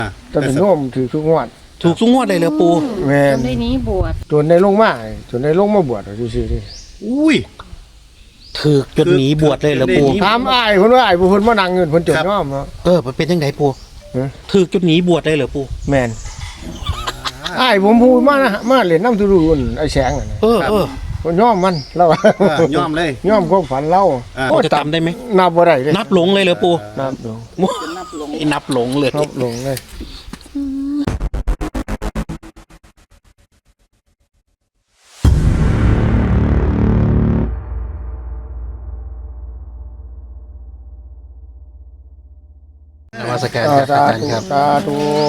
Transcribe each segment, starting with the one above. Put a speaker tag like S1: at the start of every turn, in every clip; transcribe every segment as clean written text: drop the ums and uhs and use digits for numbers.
S1: จะเป็นโน้มถือทุกงวด
S2: ถูกทุกงวดเลยเหรอปู่
S1: แม่
S3: จ
S1: น
S3: นได้หนี้บวช
S1: จนในลงมาจนในลงมาบวชซื่อๆดิ
S4: อุ้ย
S2: ถูกจนหนีบวชเลยเหรอปู่
S1: ถามอ้ายเพิ่นว่าอ้ายผู้เพิ่นมานั่งเงินเพิ่นจนยอมเนาะ
S2: มันเป็นยังไงปู่
S1: ฮะ
S2: ถูกจนหนีบวชเลยเหรอปู่
S1: แม่นอ้ายผมพูดมานะมาเล่นน้ำทุรุนไอ้แสงน่ะนะ
S2: เออ
S1: เพิ่นยอมมันเรา
S4: ย่อมเลย
S1: ยอมความฝันเรา
S2: พอจะจำได้ไหม
S1: นับบ่ได้เลย
S2: นับหลงเลยเหรอปู่
S1: นับลง
S3: นับลง
S2: นับหลงเลย
S1: นับลงเลย
S2: นมัสการครับอาจารย์ครับ
S1: สาธุ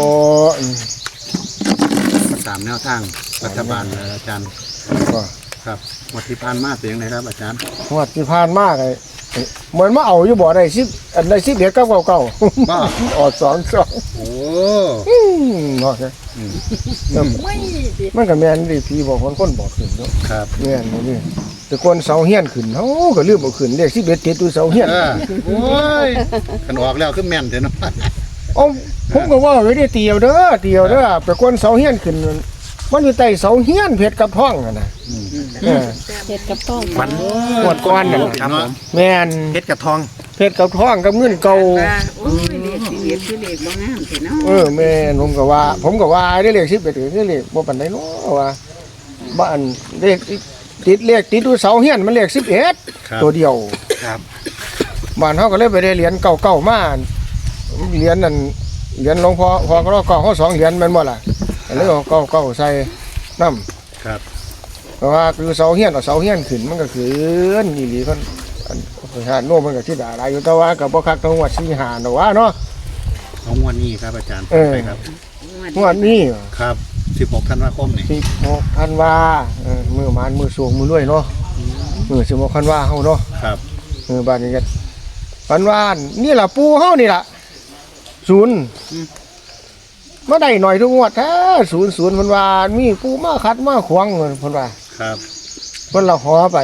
S4: ตามแนวทางรัฐบาลเลยอาจารย์
S1: ก็
S4: ครับงวันที่ผ่านมาเป็นยังไงครับอาจารย์
S1: งวดที่ผ่านมาก็เหมือนมาเอาอยู่บ่ได้10อันใด10เด็กเก่าๆ
S4: บ้า
S1: ออก2
S4: โอ้
S1: เนาะ
S4: อืม
S3: ไม่ดิ
S1: มันก็แม่นดิพี่บอกคนบอกขึ้นเนาะ
S4: ครับ
S1: แม่นบ่นี่แต่คนเสาเฮียนขึ้นเฮาก็ลืมเอาขึ้นเลข11ติดอยู่เสาเฮียน
S4: โอ้ยขันออกแล้วขึ้นแม่นเถอะเนาะ
S1: เอ้าผมก็ว่าไว้ได้เตียวเด้อไปคนเสาเฮียนขึ้นมันอยู่ใต้เสาเฮียนเพชรกับท้องน่ะนะเออ
S3: เฮ็ดกับต้อง
S2: มัน
S1: งวดก่อนน่ะ
S2: ครับผม
S1: แม่น
S2: เพชรกับทอง
S1: เพชรกับท้องกับเงินเก่า
S3: โอ้ยเด็กสิเฮ็ดคือเด็กบ่งามแท้เนาะ
S1: แม่นผมก็ว่าได้เลข11คือเลขบ่ปานใดเนาะว่าบ้านเลขติดอยู่เสาเฮียนมันเลข11ตัวเดียว
S2: ครับ
S1: บ้านเฮาก็เลยไปได้เหรียญเก่าๆมาเหรียญนั่นเหรียญหลวงพ่อก็เก่าเฮา2เหรียญแม่นบ่ล่ะก็เลยเอาเก่าๆใส่น้ำ
S4: ครับ
S1: เพราะว่าคือเสาเฮียนเอาเสาเฮียนขึ้นมันก็ขึ้นอีหลีเพิ่นอันหาโน่มันก็สิด่าหลายอยู่แต่ว่าก็บ่คักทั้งวัด4 5ดอกว่าเนาะ
S4: ของงวันนี้ครับอาจารย์
S1: เออ
S4: ไปครับ
S1: งวดนี้
S4: ครับ16ธันวาคมนี่
S1: 16ธันวามื้อมานมื้อสวงมื้อรวยเนาะมื้อ16ธันวาเฮาเนาะ
S4: ครับ
S1: บ้านนี้ก็ฝันว่านี่ล่ะปู่เฮานี่ล่ะ0มาได้หน่อยทุกงวดแท้00เพิ่นว่ามีปู่มาขัดมาขวางเพิ่นว่า
S4: ครับ
S1: เพิ่นละหอไป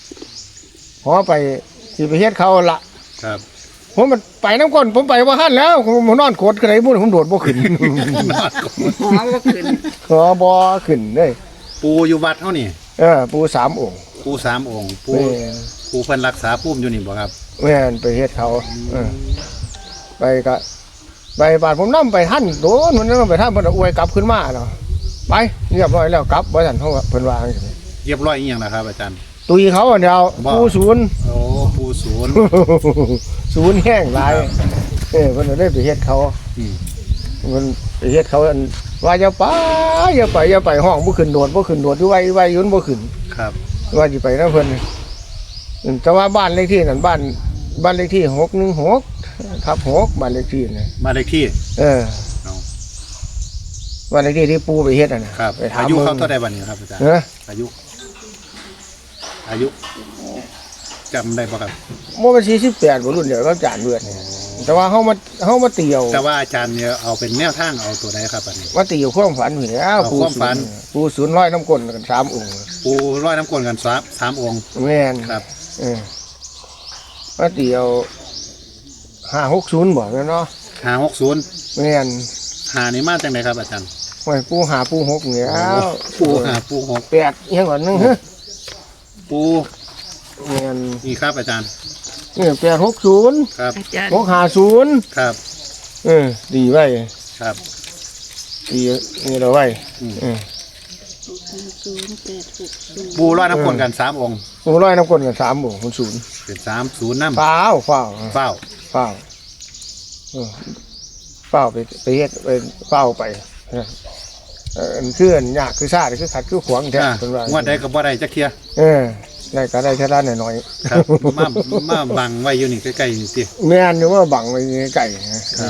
S1: สิไปเฮ็ดเขาละ
S4: ครับ
S1: ผมมันไปน้ำก้นผมไปว่าหั่นแล้วผมนอนโคตรกระไรบุ้นผมโดดบ่ขึ้น
S3: หัวบ่ขึ้น
S1: ขอบ่ขึ้นเด้ย
S4: ปูอยู่วัดเท่านี่
S1: ปู่3องค์
S4: ปู3องค์ปู
S1: แม่
S4: ปูเพิ่นรักษาปุ้มอยู่นี่บ่ครับ
S1: แม่นไปเฮ็ดเขาไปก็ไปบาดผมนำไปท่านโดนมันนำไปท่านเพิ่นเอาอวยกลับขึ้นมาเนาะไปเรียบร้อยแล้วกลับบ่ทันเฮาเพิ่นว่าจังซี่
S4: เรียบร้อยอีหยังนะครับอาจารย์
S1: ตุยเขาอันเดียว
S4: บ่
S1: ปู่ศูนย์
S4: โอ้ปูศูนย์
S1: ศูนย์แห้งหลายเพิ่นเลยไปเฮ็ดเขา
S4: อืม
S1: มันไปเฮ็ดเขาอันว่าอย่าไปห้องบ่ขึ้นโดดอยู่ไว้อยู่บ่ขึ้น
S4: ครับ
S1: ว่าสิไปนำเพิ่นแต่ว่าบ้านเลขที่นั่นบ้านเลขที่616/6บ้านเลขที่นั่น
S4: มานเลขที่
S1: เออ
S4: เอา
S1: บ้านเลขที่ที่ปู่ไปเฮ็ดน่ะนะครับ ไปถาม
S4: อายุเขา
S1: บิ่ง
S4: เท่าใดบัดนี้ครับอาจารย์
S1: เออ
S4: อายุจำได้ป่ะครับ
S1: บ่มัน48บ่รุ่นเดียวกับจานเบือดนี่แต่ว่าเฮามาเตียว
S4: แต่ว่าอาจารย์เนี่ยเอาเป็นแนวทางเอาตัวไหนครับอันนี้
S1: มาเตียวความฝันนี่แล้ว
S4: เอาความฝัน
S1: ปู่ศูนย์ร้อยน้ำก้นกัน3องค์
S4: ปูร้อยน้ำกลนกันสามองค์
S1: แม่น
S4: ครับ
S1: มาเตียว560บ่แม่นเนาะ
S4: 560
S1: แม่น
S4: หานี่มาจังไดครับอาจารย์
S1: โอ้ยปูหาปู6นี่แล้ว
S4: ปูหาปูหก
S1: 8อีหยังก่อนนึงฮะ
S4: ปู
S1: แม่น
S4: นี่ครับอาจารย์
S1: นี่860
S4: ครับ
S3: อาจารย์
S1: 650
S4: ครับ
S1: ดีไว้
S4: ครับ
S1: ดีนี่เราไว้
S4: ปูร้อยน้ำกลนกัน3องค์
S1: ปูร้อยน้ำก้นกัน3บ่มันศูนย์
S4: เป็น30น้ำ
S1: เปล่า
S4: เฝ้า
S1: เปล่าไปเฮ็ดไปเฝ้าไปอันคืออันยากคือซ่าคือขัดคือขวางแท้
S4: อ่า
S1: เพิ่นว่าง
S4: วดใดก็บ่ได้จักเที่ย
S1: ได้ก็ได้แค่นั้นหน่อย
S4: ครับมาบังไว้อยู่นี่ใกล้ๆนี่ติ
S1: ๆแม่นอยู่ว่าบังไว้ไกลนะครับ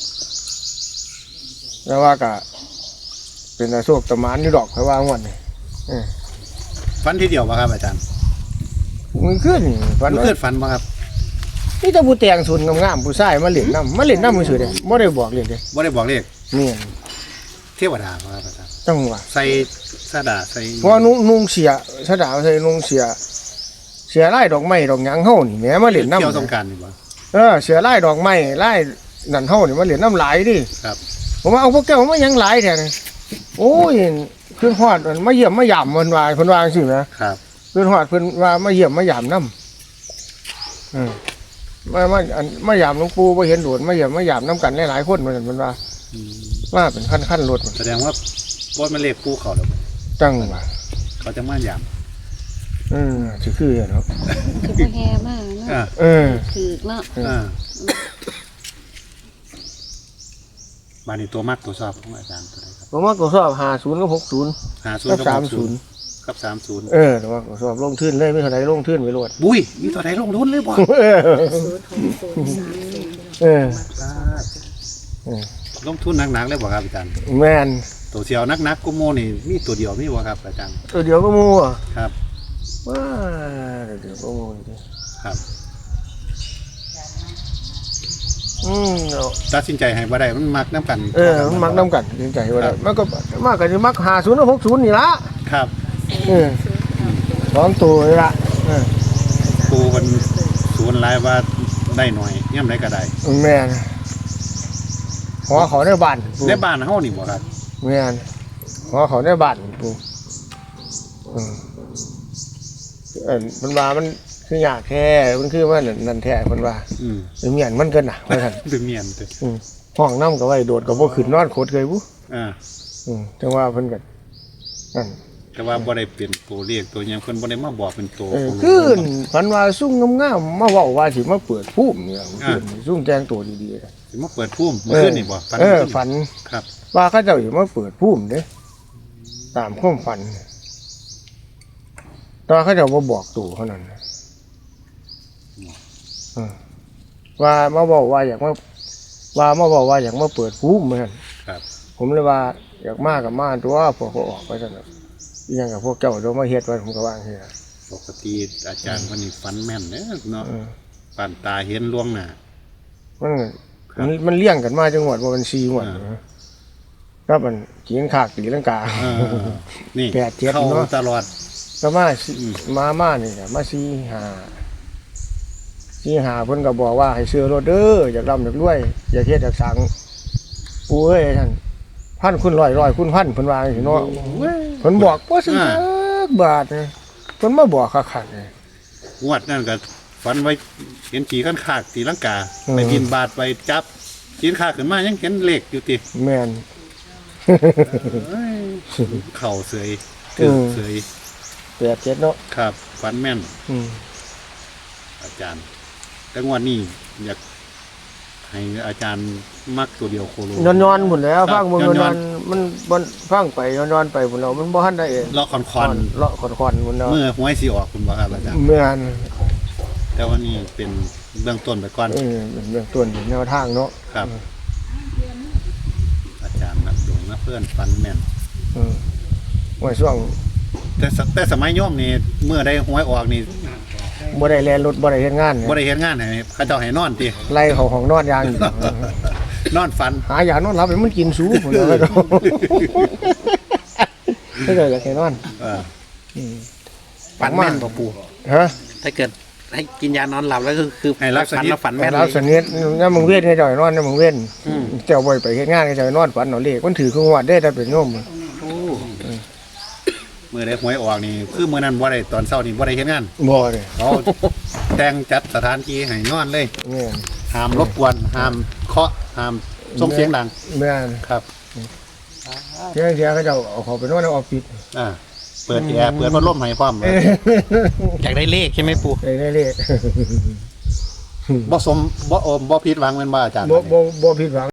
S1: แล้วว่าก็เป็นอาโศกตะหมานอยู่ดอกค่อยว่าม่วนนี่
S4: ฝันทีเดียวป่ะครับอาจารย์
S1: มันขึ้นฝัน
S4: มัน
S1: ว่า
S4: เกิดฝันป่ะครับ
S1: นี่แต่ผู้แต่งสุนงามๆผู้ชายมาเล่นน้ำมือซื่อเด้บ่ได้บอกเล่นเด้
S4: บ่ได้บอกเลข
S1: นี่
S4: เทวดาป่ะครับอาจารย์
S1: จังหวะ
S4: ใส่สะดาใส่
S1: เพราะว่านุ่งเสียสะดาวใส่นุ่งเสียลายดอกไม้ดอกหยังเฮานี่แหมมาเล่นน้ำ
S4: เที่ยวสงกรารนี่บ่
S1: เสียลายดอกไม้ลายนั่นเฮานี่มาเล่นน้ำหลายดิ
S4: ครับ
S1: ผมว่าเอาพวกแก้วมายังหลายแท้นี่โอ้ยขึ้นฮอดมันมาเยี่ยมมายามมันว่าเพิ่นว่าจังซี่นะครับ ขึ้นฮอดเพิ่นว่ามาเยี่ยมมายามนำมายามหลวงปู่บ่เห็นโดดมาเยี่ยมมายามนํกันหลายๆคนเหมือนกันเพิ่นว่าว่าเป็นขั้นรถ
S4: แสดงว่าบ่มันเลขปูเขาแล้ว
S1: จังว่า
S4: เขาจะมายาม
S1: สิคือเนาะ
S3: คือบ่แห่มากเนาะ ถือเนาะ
S4: มานี่ตัวมักตัวชอบของอาจารย์ตัวใดครับ
S1: ผมว่าก็สอบ50กับ60
S4: 50
S1: กั
S4: กั
S1: บบ 30
S4: กับ30
S1: แต่ว่าก็สอบลงทุนเลยไม่เท่าไหร่ลงทุนไปโลด
S4: บุ้ยมีตัวใดลงทุนเลยบ่ ลงทุนหนักๆเลยบ่ครับอาจารย์
S1: แม่น
S4: ตัวเสียวนักๆกุโมนี่มีตัวเดียวมีบ่ครับอาจารย์
S1: ตัวเดียวก็มูอ่ะ
S4: ครับ
S1: ว้าเดี๋ยวก็มูดิ
S4: ครับ
S1: เนาะ
S4: ตัดสินใจให้บ่ได้มันมักน้ำกัน
S1: มันมักน้ำกันจริงใจว่าได้มันก็มากกันจะมัก50กับ60นี่ละ
S4: ครับ
S1: 2ตัวนี่ละ
S4: ปูมันศูนย์หลายว่าได้หน่อยย่ำไรก็ได้
S1: แม่นหัวเขาในบ้าน
S4: ในบ้านเฮานี่บ่ครับ
S1: แม่นหัวเขาในบ้านปูมันว่ามันคือยากแท้มันคือว่านั่นแท้มันว่าเป็นเมียนมันเกินน่ะว่าซั่น
S4: ดึงเมียนเด้อ
S1: ห้องน้ำก็ไว้โดดก็บ่ขึ้นนอนโคตรเคยบุ จังว่าเพิ่นก็นั่น
S4: แต่ว่าบ่ได้เป็นตัวเลขตัวหยังเพิ่นบ่ได้มาบอกเป็นตัว
S1: คือฝันว่าซุ่มงามๆมาเว้าว่าสิมาเปิดภูมิเนี่ยคือซุ่มแต่งตัวดีๆ
S4: สิมาเปิดพุ่มเมื่อคืนนี่บ่ฝัน
S1: ฝัน
S4: ครับ
S1: ว่าเขาเจ้าสิมาเปิดภูมิเด้ตามความฝันแต่ว่าเขาเจ้าบ่บอกตัวเท่านั้นว่ามาบอกว่าอยากมาบอกว่าอยากมาเปิดภูมิเหมือนกัน
S4: ครับ
S1: ผมเลยว่าอยากมากับมาตัวพวกเขาออกไปซั่นน่ะอีหยังกับพวกเจ้าโดนมาเฮ็ดไว้ผมก็ว่าจังซี่ล่ะ
S4: ปกติอาจารย์วันนี้ฝันแม่นเด้อเนาะปานตาเห็นล่วงหน้า
S1: มันเลี้ยงกันมาจังหวัดว่ามัน4งวดครับมันกินขากตีลังกา
S4: นี่
S1: 8 7
S4: เข้า
S1: เนาะ
S4: ตลอด
S1: ก็มานี่ก็มา4 5เพิ่นก็บอกว่าให้ซื้อรถเด้ออยากร่ำอยากรวยอยากเฮ็ดอยากสังปู่เอ้ยท่านพันคุณร้อยคุณพันเพิ่นว่าจังซี่เนาะเพิ่นบอกบ่ซื้อจักบาทเลยเพิ่นมาบอกคักๆเลย
S4: งวดนั่นก็ฝันไว้เห็นขี่ขั้นขากตีลังกาไปบินบาทไปจับขีนขากขึ้นมายังเห็นเลขอยู่ติ
S1: แม่น
S4: เข่าเสยถึงเสย
S1: 8 7เนาะ
S4: ครับฝันแม่น อาจารย์แต่งวดนี้อยากให้อาจารย์มักตัวเดียวโคโล
S1: นอนๆพุ่นแล้วฟังเบิ่ง
S4: ย้
S1: น
S4: อ
S1: อน นๆมันฟังไปนอนๆไปพุ่นแล้วมันบ่ทันได้
S4: เลาะคอน
S1: เลาะคอนๆพุ่นแล้ว
S4: เมื่อหวยสิออกคุณบ่ครับอาจารย์
S1: แม่น
S4: แต่ว่านี่เป็นเบื้องต้นไปก่อน
S1: เป็นเรื่องต้นเป็นแนวทางเนาะ
S4: ครับ อาจารย์นักดวงนะเพื่อนฟันแม่น
S1: ว่าช่วง
S4: แต่สมัยโยมนี่เมื่อได้หวยออกนี่
S1: บ่ได้แล่นรถบ่ได้เฮ็ดงาน
S4: บ่ได้เฮ็ดงานให้เขาเจ้าให้นอนติ
S1: ไล่เขาห้องนอนอย่างเดียวน
S4: อนฝัน
S1: หายานอนหลับให้มันกินสูพุ่นแล้วก็ไม่ได้อยากให้นอน
S2: ฝันแม่นบ่ปู่
S1: ฮะ
S2: ถ้าเกิดให้กินยานอนหลับแล้วก็คือ
S4: ให้รับส
S2: ฝัน
S4: นิท
S2: แล้วฝันแม่น
S1: เรา
S2: เลย
S1: สนิทยามมึงเวียนให้เจ้านอนยามมึงเวียนเจ้าบ่ไปเฮ็ดงานให้เจ้านอนฝันเอาเลขมันถือคือวัดได้ถ้าเป็นโยม
S4: เมื่อได้หวยออกนี่คือมื้อนั้นบ่ได้ตอนเช้านี่บ่ได้เฮ็ดงาน
S1: บ่เลย
S4: เขาแต่งจัดสถานที่ให้นอนเลย
S1: แม่น
S4: ห้ามรบกวนห้ามเคาะห้ามส่งเสียงดัง
S1: แม่น
S4: ครับ
S1: เที่ยงเขาเจ้าเอาเขาไปนอนในออฟฟิศ
S4: เปิดแอร์เปิดพัดลมให้พร้อม
S2: อยากได้เลขใช่ไหมปู่
S1: ได้เลข
S4: บ่สมบ่ผิดหวังแม่นบ่อาจารย์
S1: บ่ผิดหวัง